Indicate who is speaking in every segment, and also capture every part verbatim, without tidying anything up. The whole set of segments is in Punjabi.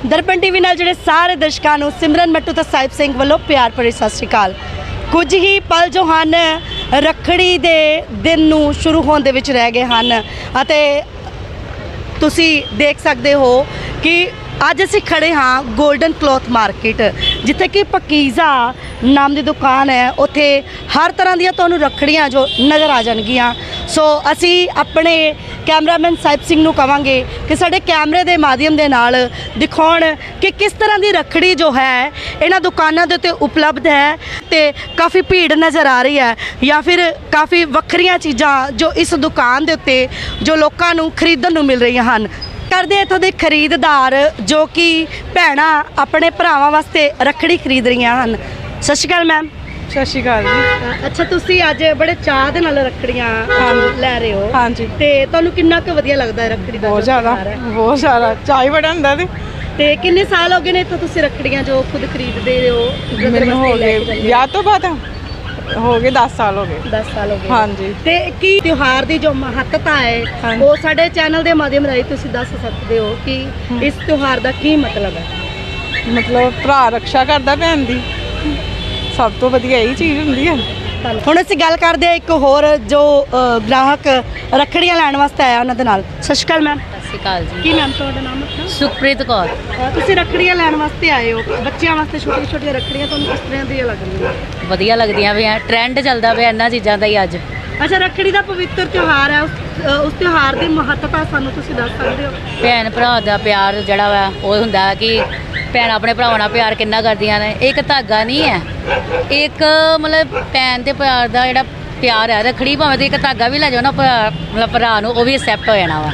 Speaker 1: ਦਰਪਣ ਟੀਵੀ ਨਾਲ ਜਿਹੜੇ ਸਾਰੇ ਦਰਸ਼ਕਾਂ ਨੂੰ ਸਿਮਰਨ ਮੱਟੂ ਤੇ ਸਾਹਿਬ ਸਿੰਘ ਵੱਲੋਂ ਪਿਆਰ ਭਰੀ ਸਤਿ ਸ਼੍ਰੀ ਅਕਾਲ। ਕੁਝ ਹੀ ਪਲ ਜੋ ਹਨ ਰੱਖੜੀ ਦੇ ਦਿਨ ਨੂੰ ਸ਼ੁਰੂ ਹੋਣ ਦੇ ਵਿੱਚ ਰਹਿ ਗਏ ਹਨ ਅਤੇ ਤੁਸੀਂ ਦੇਖ ਸਕਦੇ ਹੋ ਕਿ ਅੱਜ ਅਸੀਂ ਖੜੇ ਹਾਂ ਗੋਲਡਨ ਕਲੋਥ ਮਾਰਕੀਟ, ਜਿੱਥੇ ਕਿ ਪਕੀਜ਼ਾ ਨਾਮ ਦੀ ਦੁਕਾਨ ਹੈ। ਉੱਥੇ ਹਰ ਤਰ੍ਹਾਂ ਦੀਆਂ ਤੁਹਾਨੂੰ ਰੱਖੜੀਆਂ ਜੋ ਨਜ਼ਰ ਆ ਜਾਣਗੀਆਂ। ਸੋ ਅਸੀਂ ਆਪਣੇ ਕੈਮਰਾਮੈਨ ਸਾਹਿਬ ਸਿੰਘ ਨੂੰ ਕਹਾਂਗੇ ਕਿ ਸਾਡੇ ਕੈਮਰੇ ਦੇ ਮਾਧਿਅਮ ਦੇ ਨਾਲ ਦਿਖਾਉਣ ਕਿ ਕਿਸ ਤਰ੍ਹਾਂ ਦੀ ਰੱਖੜੀ ਜੋ ਹੈ ਇਹਨਾਂ ਦੁਕਾਨਾਂ ਦੇ ਉੱਤੇ ਉਪਲਬਧ ਹੈ ਤੇ ਕਾਫੀ ਭੀੜ ਨਜ਼ਰ ਆ ਰਹੀ ਹੈ ਜਾਂ ਫਿਰ ਕਾਫੀ ਵੱਖਰੀਆਂ ਚੀਜ਼ਾਂ ਜੋ ਇਸ ਦੁਕਾਨ ਦੇ ਉੱਤੇ ਜੋ ਲੋਕਾਂ ਨੂੰ ਖਰੀਦਣ ਨੂੰ ਮਿਲ ਰਹੀਆਂ ਹਨ। ਕਰਦੇ ਇੱਥੋਂ ਦੇ ਖਰੀਦਦਾਰ ਜੋ ਕਿ ਭੈਣਾਂ ਆਪਣੇ ਭਰਾਵਾਂ ਵਾਸਤੇ ਰੱਖੜੀ ਖਰੀਦ ਰਹੀਆਂ ਹਨ। ਸਤਿ ਸ਼੍ਰੀ ਅਕਾਲ ਮੈਮ।
Speaker 2: ਸਤਿ ਸ਼੍ਰੀ ਅਕਾਲ ਜੀ।
Speaker 1: ਅੱਛਾ, ਤੁਸੀਂ ਅੱਜ ਬੜੇ ਚਾਅ ਦੇ ਨਾਲ ਰੱਖੜੀਆਂ ਲੈ ਰਹੇ ਹੋ।
Speaker 2: ਹਾਂਜੀ।
Speaker 1: ਤੇ ਤੁਹਾਨੂੰ ਕਿੰਨਾ ਕੁ ਵਧੀਆ ਲੱਗਦਾ ਹੈ ਰੱਖੜੀ ਦਾ?
Speaker 2: ਬਹੁਤ ਜ਼ਿਆਦਾ, ਬਹੁਤ ਜ਼ਿਆਦਾ ਚਾਅ ਹੀ ਬੜਾ ਹੁੰਦਾ। ਤੇ
Speaker 1: ਤੇ ਕਿੰਨੇ ਸਾਲ ਹੋ ਗਏ ਨੇ ਇੱਥੋਂ ਤੁਸੀਂ ਰੱਖੜੀਆਂ ਜੋ ਖੁਦ ਖਰੀਦਦੇ ਹੋ?
Speaker 2: ਮੈਨੂੰ ਹੋ ਗਏ ਵਿਆਹ ਤੋਂ ਬਾਅਦ ਹੋ ਗਏ ਦਸ ਸਾਲ ਹੋ ਗਏ।
Speaker 1: ਦਸ ਸਾਲ ਹੋ ਗਏ।
Speaker 2: ਹਾਂਜੀ।
Speaker 1: ਤੇ ਕੀ ਤਿਉਹਾਰ ਦੀ ਜੋ ਮਹੱਤਤਾ ਹੈ ਉਹ ਸਾਡੇ ਚੈਨਲ ਦੇ ਮਾਧਿਅਮ ਰਾਹੀਂ ਤੁਸੀਂ ਦੱਸ ਸਕਦੇ ਹੋ ਕਿ ਇਸ ਤਿਉਹਾਰ ਦਾ ਕੀ ਮਤਲਬ ਹੈ?
Speaker 2: ਮਤਲਬ ਭਰਾ ਰੱਖਿਆ ਕਰਦਾ ਭੈਣ ਦੀ, ਸਭ ਤੋਂ ਵਧੀਆ ਇਹੀ ਚੀਜ਼ ਹੁੰਦੀ ਹੈ।
Speaker 1: ਹੁਣ ਅਸੀਂ ਗੱਲ ਕਰਦੇ ਹਾਂ ਇੱਕ ਹੋਰ ਜੋ ਗ੍ਰਾਹਕ ਰੱਖੜੀਆਂ ਲੈਣ ਵਾਸਤੇ ਆਇਆ ਉਹਨਾਂ ਦੇ ਨਾਲ। ਸਤਿ ਸ਼੍ਰੀ ਅਕਾਲ ਮੈਮ।
Speaker 3: ਸਤਿ ਸ਼੍ਰੀ ਅਕਾਲ ਜੀ।
Speaker 1: ਕੀ ਨਾਮ ਤੁਹਾਡਾ? ਨਾਮ ਆਪਣਾ?
Speaker 3: ਸੁਖਪ੍ਰੀਤ ਕੌਰ।
Speaker 1: ਤੁਸੀਂ ਰੱਖੜੀਆਂ ਲੈਣ ਵਾਸਤੇ ਆਏ ਹੋ, ਬੱਚਿਆਂ ਵਾਸਤੇ ਛੋਟੀਆਂ ਛੋਟੀਆਂ ਰੱਖੜੀਆਂ ਤੁਹਾਨੂੰ ਕਿਸ ਤਰ੍ਹਾਂ ਦੀਆਂ ਲੱਗ ਰਹੀਆਂ?
Speaker 3: ਵਧੀਆ ਲੱਗਦੀਆਂ ਪਿਆ, ਟ੍ਰੈਂਡ ਚੱਲਦਾ ਪਿਆ ਇਹਨਾਂ ਚੀਜ਼ਾਂ ਦਾ ਹੀ ਅੱਜ।
Speaker 1: ਅੱਛਾ, ਰੱਖੜੀ ਦਾ ਪਵਿੱਤਰ ਤਿਉਹਾਰ ਹੈ, ਉਸ ਉਸ ਤਿਉਹਾਰ ਦੀ ਮਹੱਤਤਾ ਸਾਨੂੰ ਤੁਸੀਂ ਦੱਸ ਸਕਦੇ ਹੋ?
Speaker 3: ਭੈਣ ਭਰਾ ਦਾ ਪਿਆਰ ਜਿਹੜਾ ਵਾ ਉਹ ਹੁੰਦਾ ਕਿ ਭੈਣ ਆਪਣੇ ਭਰਾਵਾਂ ਨਾਲ ਪਿਆਰ ਕਿੰਨਾ ਕਰਦੀਆਂ ਨੇ। ਇੱਕ ਧਾਗਾ ਨਹੀਂ ਹੈ, ਇੱਕ ਮਤਲਬ ਭੈਣ ਤੇ ਪਿਆਰ ਦਾ ਜਿਹੜਾ ਪਿਆਰ ਹੈ, ਰੱਖੜੀ ਭਾਵੇਂ ਤੇ ਇੱਕ ਧਾਗਾ ਵੀ ਲੈ ਜਾਓ ਨਾ ਭਰਾ ਮਤਲਬ ਭਰਾ ਨੂੰ, ਉਹ ਵੀ ਐਕਸੈਪਟ ਹੋ ਜਾਣਾ ਵਾ।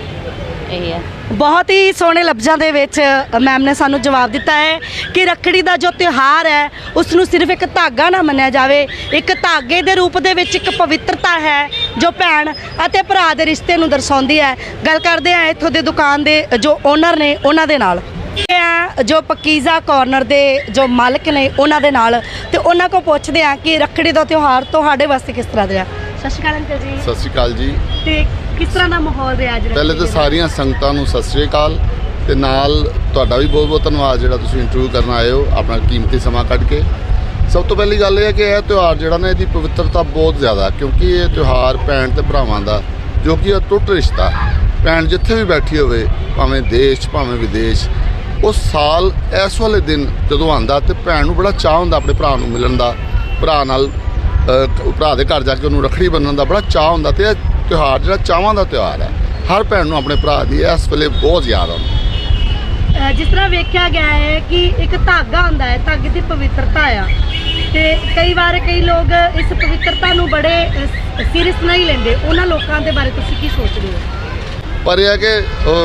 Speaker 3: ਇਹ ਹੈ।
Speaker 1: ਬਹੁਤ ਹੀ ਸੋਹਣੇ ਲਫ਼ਜ਼ਾਂ ਦੇ ਵਿੱਚ ਮੈਮ ਨੇ ਸਾਨੂੰ ਜਵਾਬ ਦਿੱਤਾ ਹੈ ਕਿ ਰੱਖੜੀ ਦਾ ਜੋ ਤਿਉਹਾਰ ਹੈ ਉਸ ਨੂੰ ਸਿਰਫ ਇੱਕ ਧਾਗਾ ਨਾ ਮੰਨਿਆ ਜਾਵੇ, ਇੱਕ ਧਾਗੇ ਦੇ ਰੂਪ ਦੇ ਵਿੱਚ ਇੱਕ ਪਵਿੱਤਰਤਾ ਹੈ ਜੋ ਭੈਣ ਅਤੇ ਭਰਾ ਦੇ ਰਿਸ਼ਤੇ ਨੂੰ ਦਰਸਾਉਂਦੀ ਹੈ। ਗੱਲ ਕਰਦੇ ਹਾਂ ਇੱਥੋਂ ਦੇ ਦੁਕਾਨ ਦੇ ਜੋ ਓਨਰ ਨੇ ਉਹਨਾਂ ਦੇ ਨਾਲ, ਜੋ ਪਕੀਜ਼ਾ ਕਾਰਨਰ ਦੇ ਜੋ ਮਾਲਕ ਨੇ ਉਹਨਾਂ ਦੇ ਨਾਲ, ਤੇ ਉਹਨਾਂ ਕੋਲ ਪੁੱਛਦੇ ਹਾਂ ਕਿ ਰੱਖੜੀ ਦਾ ਤਿਉਹਾਰ ਤੁਹਾਡੇ ਵਾਸਤੇ ਕਿਸ ਤਰ੍ਹਾਂ ਦਾ? ਸਤਿ ਸ਼੍ਰੀ ਅਕਾਲ ਅੰਕਲ ਜੀ।
Speaker 4: ਸਤਿ ਸ਼੍ਰੀ ਅਕਾਲ ਜੀ।
Speaker 1: ਤੇ ਕਿਸ ਤਰ੍ਹਾਂ ਦਾ ਮਾਹੌਲ ਰਿਹਾ ਅੱਜ?
Speaker 4: ਪਹਿਲੇ ਤਾਂ ਸਾਰੀਆਂ ਸੰਗਤਾਂ ਨੂੰ ਸਤਿ ਸ਼੍ਰੀ ਅਕਾਲ, ਤੇ ਨਾਲ ਤੁਹਾਡਾ ਵੀ ਬਹੁਤ ਬਹੁਤ ਧੰਨਵਾਦ ਜਿਹੜਾ ਤੁਸੀਂ ਇੰਟਰਵਿਊ ਕਰਨ ਆਏ ਹੋ, ਆਪਣਾ ਕੀਮਤੀ ਸਮਾਂ ਕੱਢ ਕੇ। ਸਭ ਤੋਂ ਪਹਿਲੀ ਗੱਲ ਇਹ ਹੈ ਕਿ ਇਹ ਤਿਉਹਾਰ ਜਿਹੜਾ ਨਾ ਇਹਦੀ ਪਵਿੱਤਰਤਾ ਬਹੁਤ ਜ਼ਿਆਦਾ, ਕਿਉਂਕਿ ਇਹ ਤਿਉਹਾਰ ਭੈਣ ਤੇ ਭਰਾਵਾਂ ਦਾ ਜੋ ਕਿ ਅਟੁੱਟ ਰਿਸ਼ਤਾ, ਭੈਣ ਜਿੱਥੇ ਵੀ ਬੈਠੀ ਹੋਵੇ ਭਾਵੇਂ ਦੇਸ਼ ਭਾਵੇਂ ਵਿਦੇਸ਼, ਉਸ ਸਾਲ ਇਸ ਵਾਲੇ ਦਿਨ ਜਦੋਂ ਆਉਂਦਾ ਤੇ ਭੈਣ ਨੂੰ ਬੜਾ ਚਾਅ ਹੁੰਦਾ ਆਪਣੇ ਭਰਾ ਨੂੰ ਮਿਲਣ ਦਾ, ਭਰਾ ਨਾਲ ਭਰਾ ਦੇ ਘਰ ਜਾ ਕੇ ਉਹਨੂੰ ਰੱਖੜੀ ਬੰਨ੍ਹਣ ਦਾ ਬੜਾ ਚਾਅ ਹੁੰਦਾ। ਤੇ ਇਹ ਤਿਉਹਾਰ ਜਿਹੜਾ ਚਾਵਾਂ ਦਾ ਤਿਉਹਾਰ ਹੈ, ਹਰ ਭੈਣ ਨੂੰ ਆਪਣੇ ਭਰਾ ਦੀ ਇਸ ਵੇਲੇ ਬਹੁਤ ਯਾਦ ਆਉਂਦੀ।
Speaker 1: ਜਿਸ ਤਰ੍ਹਾਂ ਵੇਖਿਆ ਗਿਆ ਹੈ ਕਿ ਇੱਕ ਧਾਗਾ ਹੁੰਦਾ ਹੈ, ਧਾਗੇ ਦੀ ਪਵਿੱਤਰਤਾ ਆ, ਤੇ ਕਈ ਵਾਰ ਕਈ ਲੋਕ ਇਸ ਪਵਿੱਤਰਤਾ ਨੂੰ ਬੜੇ ਸੀਰੀਅਸ ਨਹੀਂ ਲੈਂਦੇ, ਉਹਨਾਂ ਲੋਕਾਂ ਦੇ ਬਾਰੇ ਤੁਸੀਂ ਕੀ ਸੋਚਦੇ ਹੋ?
Speaker 4: ਪਰ ਇਹ ਹੈ ਕਿ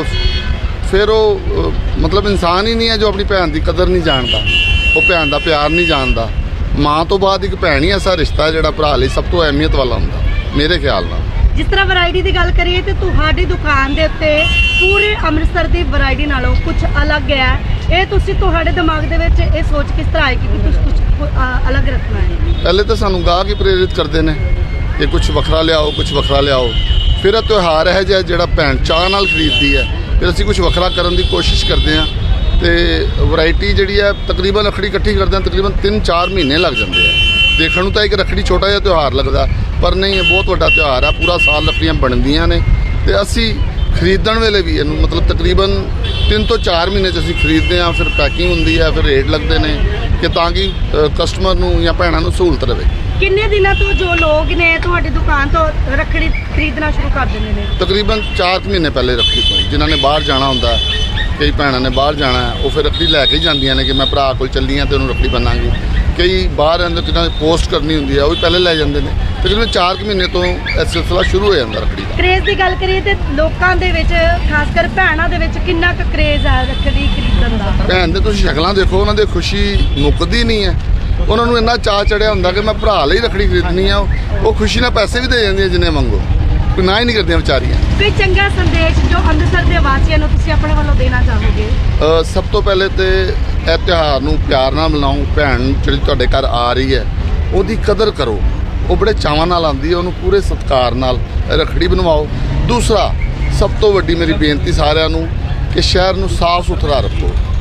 Speaker 4: ਫਿਰ ਉਹ ਮਤਲਬ ਇਨਸਾਨ ਹੀ ਨਹੀਂ ਹੈ ਜੋ ਆਪਣੀ ਭੈਣ ਦੀ ਕਦਰ ਨਹੀਂ ਜਾਣਦਾ, ਉਹ ਭੈਣ ਦਾ ਪਿਆਰ ਨਹੀਂ ਜਾਣਦਾ। ਮਾਂ ਤੋਂ ਬਾਅਦ ਇੱਕ ਭੈਣ ਹੀ ਐਸਾ ਰਿਸ਼ਤਾ ਜਿਹੜਾ ਭਰਾ ਲਈ ਸਭ ਤੋਂ ਅਹਿਮੀਅਤ ਵਾਲਾ ਹੁੰਦਾ ਮੇਰੇ ਖਿਆਲ ਨਾਲ।
Speaker 1: ਜਿਸ ਤਰ੍ਹਾਂ ਵੈਰਾਈਟੀ ਦੀ ਗੱਲ ਕਰੀਏ ਤੇ ਤੁਹਾਡੀ ਦੁਕਾਨ ਦੇ ਉੱਤੇ ਪੂਰੇ ਅੰਮ੍ਰਿਤਸਰ ਦੀ ਵੈਰਾਈਟੀ ਨਾਲੋਂ ਕੁਝ ਅਲੱਗ ਹੈ। ਇਹ ਤੁਸੀਂ ਤੁਹਾਡੇ ਦਿਮਾਗ ਦੇ ਵਿੱਚ ਇਹ ਸੋਚ ਕਿਸ ਤਰ੍ਹਾਂ ਆਈ ਕਿ ਤੁਸੀਂ ਕੁਝ ਅਲੱਗ ਰੱਖਣਾ ਹੈ?
Speaker 4: ਪਹਿਲੇ ਤਾਂ ਸਾਨੂੰ ਗਾਹਕ ਹੀ ਪ੍ਰੇਰਿਤ ਕਰਦੇ ਨੇ ਕਿ ਕੁਝ ਵੱਖਰਾ ਲਿਆਓ, ਕੁਝ ਵੱਖਰਾ ਲਿਆਓ। ਫਿਰ ਇਹ ਤਿਉਹਾਰ ਹੈ ਜਿਹਾ ਜਿਹੜਾ ਭੈਣ ਚਾਅ ਨਾਲ ਖਰੀਦਦੀ ਹੈ, ਫਿਰ ਅਸੀਂ ਕੁਝ ਵੱਖਰਾ ਕਰਨ ਦੀ ਕੋਸ਼ਿਸ਼ ਕਰਦੇ ਹਾਂ। ਤੇ ਵੈਰਾਈਟੀ ਜਿਹੜੀ ਹੈ ਤਕਰੀਬਨ ਰੱਖੜੀ ਇਕੱਠੀ ਕਰਦੇ ਹਾਂ ਤਕਰੀਬਨ ਤਿੰਨ ਚਾਰ ਮਹੀਨੇ ਲੱਗ ਜਾਂਦੇ ਆ। ਦੇਖਣ ਨੂੰ ਤਾਂ ਇੱਕ ਰੱਖੜੀ ਛੋਟਾ ਜਿਹਾ ਤਿਉਹਾਰ ਲੱਗਦਾ, ਪਰ ਨਹੀਂ, ਇਹ ਬਹੁਤ ਵੱਡਾ ਤਿਉਹਾਰ ਹੈ। ਪੂਰਾ ਸਾਲ ਰੱਖੜੀਆਂ ਬਣਦੀਆਂ ਨੇ ਤੇ ਅਸੀਂ ਖਰੀਦਣ ਵੇਲੇ ਵੀ ਇਹਨੂੰ ਮਤਲਬ ਤਕਰੀਬਨ ਤਿੰਨ ਤੋਂ ਚਾਰ ਮਹੀਨੇ 'ਚ ਅਸੀਂ ਖਰੀਦਦੇ ਹਾਂ। ਫਿਰ ਪੈਕਿੰਗ ਹੁੰਦੀ ਹੈ, ਫਿਰ ਰੇਟ ਲੱਗਦੇ ਨੇ ਕਿ ਤਾਂ ਕਿ ਕਸਟਮਰ ਨੂੰ ਜਾਂ ਭੈਣਾਂ ਨੂੰ ਸਹੂਲਤ ਰਹੇ। ਕਿੰਨੇ ਦਿਨਾਂ ਤੋਂ ਜੋ ਲੋਕ ਨੇ ਤੁਹਾਡੀ ਦੁਕਾਨ ਤੋਂ ਰੱਖੜੀ ਖਰੀਦਣਾ ਸ਼ੁਰੂ ਕਰ ਦਿੰਦੇ ਨੇ? ਤਕਰੀਬਨ ਚਾਰ ਮਹੀਨੇ ਪਹਿਲੇ ਰੱਖੜੀ ਤੋਂ। ਜਿਨ੍ਹਾਂ ਨੇ ਬਾਹਰ ਜਾਣਾ ਹੁੰਦਾ, ਕਈ ਭੈਣਾਂ ਨੇ ਬਾਹਰ ਜਾਣਾ, ਉਹ ਫਿਰ ਰੱਖੜੀ ਲੈ ਕੇ ਹੀ ਜਾਂਦੀਆਂ ਨੇ ਕਿ ਮੈਂ ਭਰਾ ਕੋਲ ਚੱਲੀ ਹਾਂ ਤੇ ਉਹਨੂੰ ਰੱਖੜੀ ਬੰਨਾਂਗੀ। ਕਈ ਬਾਹਰ ਅੰਦਰ ਕਿਨਾਂ ਪੋਸਟ ਕਰਨੀ ਹੁੰਦੀ ਹੈ, ਉਹ ਵੀ ਪਹਿਲੇ ਲੈ ਜਾਂਦੇ ਨੇ। ਤਕਰੀਬਨ ਚਾਰ ਕੁ ਮਹੀਨੇ ਤੋਂ ਇਹ ਸਿਲਸਿਲਾ ਸ਼ੁਰੂ ਹੋ ਜਾਂਦਾ ਰੱਖੜੀ ਦਾ। ਕਰੇਜ਼ ਦੀ ਗੱਲ ਕਰੀਏ ਤੇ ਲੋਕਾਂ ਦੇ ਵਿੱਚ, ਖਾਸ ਕਰ ਭੈਣਾਂ ਦੇ ਵਿੱਚ ਕਿੰਨਾ ਕੁ ਕਰੇਜ਼ ਹੈ ਰੱਖੜੀ ਖਰੀਦਣ ਦਾ? ਭੈਣ ਦੇ ਤੁਸੀਂ ਸ਼ਕਲਾਂ ਦੇਖੋ, ਉਹਨਾਂ ਦੀ ਖੁਸ਼ੀ ਮੁੱਕਦੀ ਨਹੀਂ ਹੈ। ਉਹਨਾਂ ਨੂੰ ਇੰਨਾ ਚਾਅ ਚੜਿਆ ਹੁੰਦਾ ਕਿ ਮੈਂ ਭਰਾ ਲਈ ਰੱਖੜੀ ਖਰੀਦਣੀ ਆ। ਉਹ ਖੁਸ਼ੀ ਨਾਲ ਪੈਸੇ ਵੀ ਦੇ ਜਾਂਦੀਆਂ ਜਿੰਨੇ ਮੰਗੋ, ਕੋਈ ਨਾ ਹੀ ਨਹੀਂ ਕਰਦੀਆਂ ਵਿਚਾਰੀਆਂ। ਕੋਈ ਚੰਗਾ ਸੰਦੇਸ਼ ਜੋ ਅੰਮ੍ਰਿਤਸਰ ਦੇ ਵਾਸੀਆਂ ਨੂੰ ਤੁਸੀਂ ਆਪਣੇ ਵੱਲੋਂ ਦੇਣਾ ਚਾਹੋਗੇ? ਸਭ ਤੋਂ ਪਹਿਲੇ ਤੇ ਇਹ ਤਿਉਹਾਰ ਨੂੰ ਪਿਆਰ ਨਾਲ ਮਨਾਓ। ਭੈਣ ਜਿਹੜੀ ਤੁਹਾਡੇ ਘਰ ਆ ਰਹੀ ਹੈ ਉਹਦੀ ਕਦਰ ਕਰੋ, ਉਹ ਬੜੇ ਚਾਵਾਂ ਨਾਲ ਆਉਂਦੀ ਹੈ, ਉਹਨੂੰ ਪੂਰੇ ਸਤਿਕਾਰ ਨਾਲ ਰੱਖੜੀ ਬਣਵਾਓ। ਦੂਸਰਾ, ਸਭ ਤੋਂ ਵੱਡੀ ਮੇਰੀ ਬੇਨਤੀ ਸਾਰਿਆਂ ਨੂੰ ਕਿ ਸ਼ਹਿਰ ਨੂੰ ਸਾਫ਼ ਸੁਥਰਾ ਰੱਖੋ।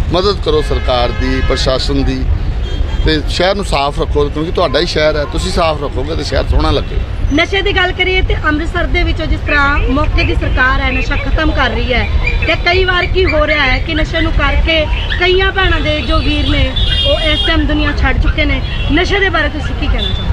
Speaker 4: ਮਦਦ ਕਰੋ ਸਰਕਾਰ ਦੀ, ਪ੍ਰਸ਼ਾਸਨ ਦੀ, ਤੇ ਸ਼ਹਿਰ ਨੂੰ ਸਾਫ਼ ਰੱਖੋ, ਕਿਉਂਕਿ ਤੁਹਾਡਾ ਹੀ ਸ਼ਹਿਰ ਹੈ। ਤੁਸੀਂ ਸਾਫ਼ ਰੱਖੋਗੇ ਤੇ ਸ਼ਹਿਰ ਸੋਹਣਾ ਲੱਗੇਗਾ।
Speaker 1: ਨਸ਼ੇ ਦੀ ਗੱਲ ਕਰੀਏ ਤੇ ਅੰਮ੍ਰਿਤਸਰ ਦੇ ਵਿੱਚੋਂ ਜਿਸ ਤਰ੍ਹਾਂ ਮੌਕੇ ਦੀ ਸਰਕਾਰ ਹੈ ਨਸ਼ਾ ਖਤਮ ਕਰ ਰਹੀ ਹੈ, ਤੇ ਕਈ ਵਾਰ ਕੀ ਹੋ ਰਿਹਾ ਹੈ ਕਿ ਨਸ਼ੇ ਨੂੰ ਕਰਕੇ ਕਈਆਂ ਭੈਣਾਂ ਦੇ ਜੋ ਵੀਰ ਨੇ ਉਹ ਇਸ ਟਾਈਮ ਦੁਨੀਆ ਛੱਡ ਚੁੱਕੇ ਨੇ। ਨਸ਼ੇ ਦੇ ਬਾਰੇ ਤੁਸੀਂ ਕੀ ਕਹਿਣਾ ਚਾਹੋਗੇ?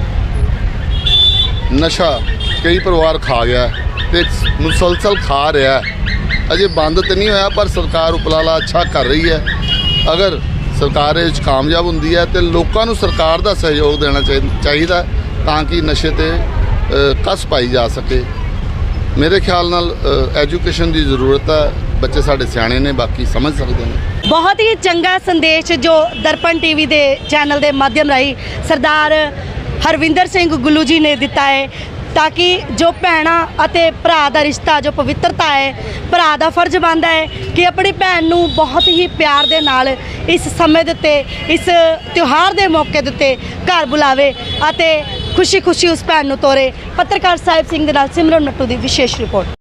Speaker 4: ਨਸ਼ਾ ਕਈ ਪਰਿਵਾਰ ਖਾ ਗਿਆ ਤੇ ਮੁਸਲਸਲ ਖਾ ਰਿਹਾ, ਅਜੇ ਬੰਦ ਤੇ ਨਹੀਂ ਹੋਇਆ, ਪਰ ਸਰਕਾਰ ਉਪਰਾਲਾ ਅੱਛਾ ਕਰ ਰਹੀ ਹੈ। ਅਗਰ ਸਰਕਾਰ ਇਹ 'ਚ ਕਾਮਯਾਬ ਹੁੰਦੀ ਹੈ ਤੇ ਲੋਕਾਂ ਨੂੰ ਸਰਕਾਰ ਦਾ ਸਹਿਯੋਗ ਦੇਣਾ ਚਾਹੀ- ਚਾਹੀਦਾ ਤਾਂ ਕਿ ਨਸ਼ੇ ਤੇ ਅ, ਕੱਸ ਪਾਈ ਜਾ ਸਕੇ। ਮੇਰੇ ਖਿਆਲ ਨਾਲ ਐਜੂਕੇਸ਼ਨ ਦੀ ਜ਼ਰੂਰਤ ਹੈ। ਬੱਚੇ ਸਾਡੇ ਸਿਆਣੇ ਨੇ, ਬਾਕੀ ਸਮਝ ਸਕਦੇ ਨੇ।
Speaker 1: ਬਹੁਤ ਹੀ ਚੰਗਾ ਸੰਦੇਸ਼ ਜੋ ਦਰਪਣ ਟੀਵੀ ਦੇ ਚੈਨਲ ਦੇ ਮਾਧਿਅਮ ਰਾਹੀਂ ਸਰਦਾਰ ਹਰਵਿੰਦਰ ਸਿੰਘ ਗੁੱਲੂ ਜੀ ਨੇ ਦਿੱਤਾ ਹੈ, ਤਾਂ ਕਿ ਜੋ ਭੈਣਾਂ ਅਤੇ ਭਰਾ ਦਾ ਰਿਸ਼ਤਾ ਜੋ ਪਵਿੱਤਰਤਾ ਹੈ, ਭਰਾ ਦਾ ਫਰਜ਼ ਬਣਦਾ ਹੈ ਕਿ ਆਪਣੀ ਭੈਣ ਨੂੰ ਬਹੁਤ ਹੀ ਪਿਆਰ ਦੇ ਨਾਲ ਇਸ ਸਮੇਂ ਦੇ ਉੱਤੇ, ਇਸ ਤਿਉਹਾਰ ਦੇ ਮੌਕੇ ਦੇ ਉੱਤੇ ਘਰ ਬੁਲਾਵੇ ਅਤੇ ਖੁਸ਼ੀ ਖੁਸ਼ੀ ਉਸ ਭੈਣ ਨੂੰ ਤੋਰੇ। ਪੱਤਰਕਾਰ ਸਾਹਿਬ ਸਿੰਘ ਦੇ ਨਾਲ ਸਿਮਰਨ ਨੱਟੂ ਦੀ ਵਿਸ਼ੇਸ਼ ਰਿਪੋਰਟ।